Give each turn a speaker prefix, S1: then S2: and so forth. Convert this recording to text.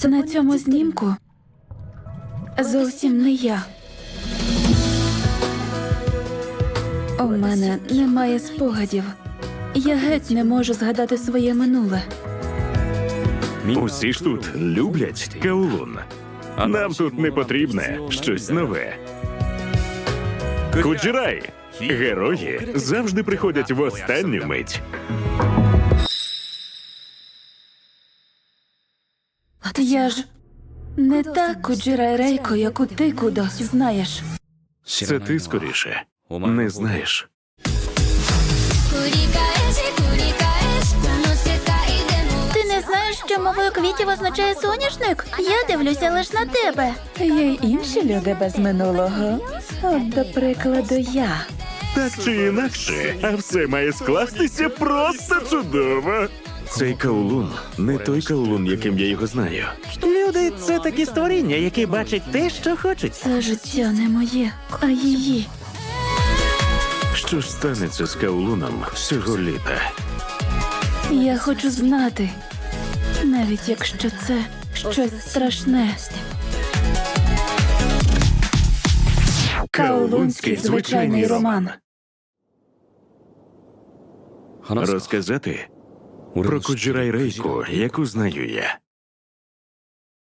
S1: На цьому знімку зовсім не я. У мене немає спогадів. Я геть не можу згадати своє минуле.
S2: Усі ж тут люблять Каолун. Нам тут не потрібне щось нове. Куджирай! Герої завжди приходять в останню мить.
S1: Я ж не та Куджирай Рейко, яку ти, Кудо, знаєш.
S2: Це ти скоріше не знаєш.
S1: Ти не знаєш, що мовою квітів означає соняшник? Я дивлюся лише на тебе. Є й інші люди без минулого. От, до прикладу, я.
S2: Так чи інакше, а все має скластися просто чудово. Цей Каолун не той Каолун, яким я його знаю.
S3: Люди – це такі створіння, які бачать те, що хочуть.
S1: Це життя не моє, а її.
S2: Що ж станеться з Каолуном цього літа?
S1: Я хочу знати, навіть якщо це щось страшне. Каолунський звичайний роман.
S2: Розказати про Куджирай Рейку, яку знаю я.